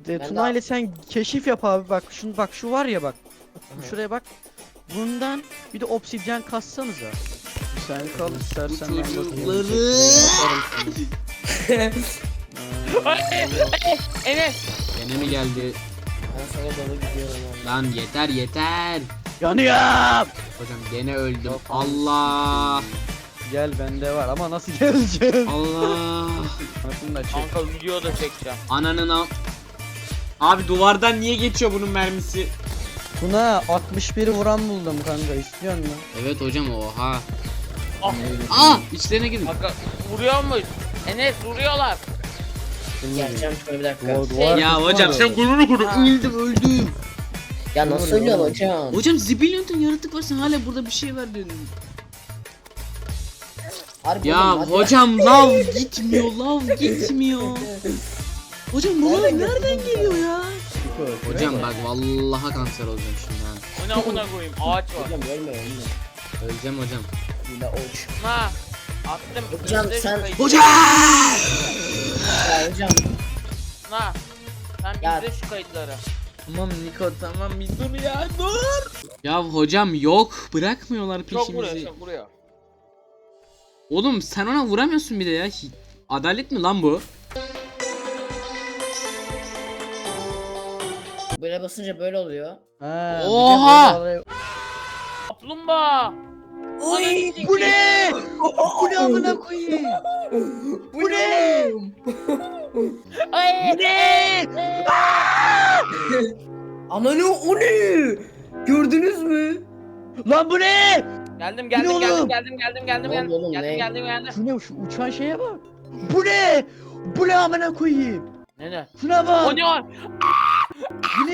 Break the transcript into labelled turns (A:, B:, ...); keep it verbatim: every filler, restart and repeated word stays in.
A: e,
B: Ben
A: Tuna
B: de-
A: ile sen keşif yap abi, bak şunu, bak şu var ya, bak şuraya bak, bundan bir de obsidyen kassanıza. Sen kal istersen, ben bakayım.
C: Çocukları.
D: Enes.
C: Gene mi geldi?
B: Ben sana doğru gidiyorum abi.
C: Lan yeter yeter.
A: Yanıyorum.
C: Hocam gene öldüm.
A: Yok.
C: Allah.
A: Gel, bende var ama nasıl geleceğiz?
C: Allah.
A: Nasıl da çek.
D: Kanka video da çekeceğim.
C: Ananın al. Abi duvardan niye geçiyor bunun mermisi?
A: Tuna altmış biri vuran buldum kanka, istiyor musun?
C: Evet hocam oha.
D: Ah.
C: Aa içlerine girin.
D: Kanka vuruyor muyuz? Enes vuruyorlar.
B: Geleceğim şöyle bir dakika.
A: Duvar- duvar
C: Ya
A: kısmı
C: hocam
A: var.
C: sen gururu kuru
D: Ha.
C: öldüm öldüm.
B: Ya nasıl
A: Doğru,
B: ölüyorsun
A: doğru.
B: hocam?
C: Hocam zibilyon ton yaratık var, sen hala burada bir şey var diyorsun.
B: Harbi
C: Ya
B: oğlum, hadi.
C: hocam lav gitmiyor, lav gitmiyor. Hocam bu lav nereden geliyor ya? Hocam bak vallahi kanser olacağım şimdi ha.
D: O ne amına koyayım, ağaç var.
B: Hocam ölme ölme.
C: Öleceğim hocam.
B: Yine uç.
D: Ha. Attım.
B: Hocam,
D: izle şu
B: sen-
D: kayıtları.
C: Hocam!
B: Ya hocam.
D: Ha. Sen
B: Ya-
D: izle şu kayıtları.
C: Tamam Niko tamam bir dur ya dur. Ya hocam yok, bırakmıyorlar
D: Çok vuruyor,
C: peşimizi.
D: çok vuruyor.
C: Oğlum sen ona vuramıyorsun bir de ya. Hi- Adalet mi lan bu?
B: Böyle basınca böyle oluyor.
A: Ha,
C: Oha!
A: bir de böyle-
D: Kaplumbağa.
B: Oy,
A: Bu ne? Bu ne amına koyayım? Bu ne?
D: Ay.
A: Bu ne?
B: Ananı o ne? Gördünüz mü?
A: Lan bu ne?
D: Geldim
A: Bu
D: geldim
A: ne
D: geldim
A: oğlum?
D: geldim geldim geldim
B: Ne
D: geldim
B: oldu oğlum,
D: geldim
B: ne?
D: geldim geldim.
A: Şu ne, şu uçan şeye bak. Bu ne? Bu ne amına koyayım?
D: Ne ne?
A: Şuna bak.
D: O ne var?
A: Bu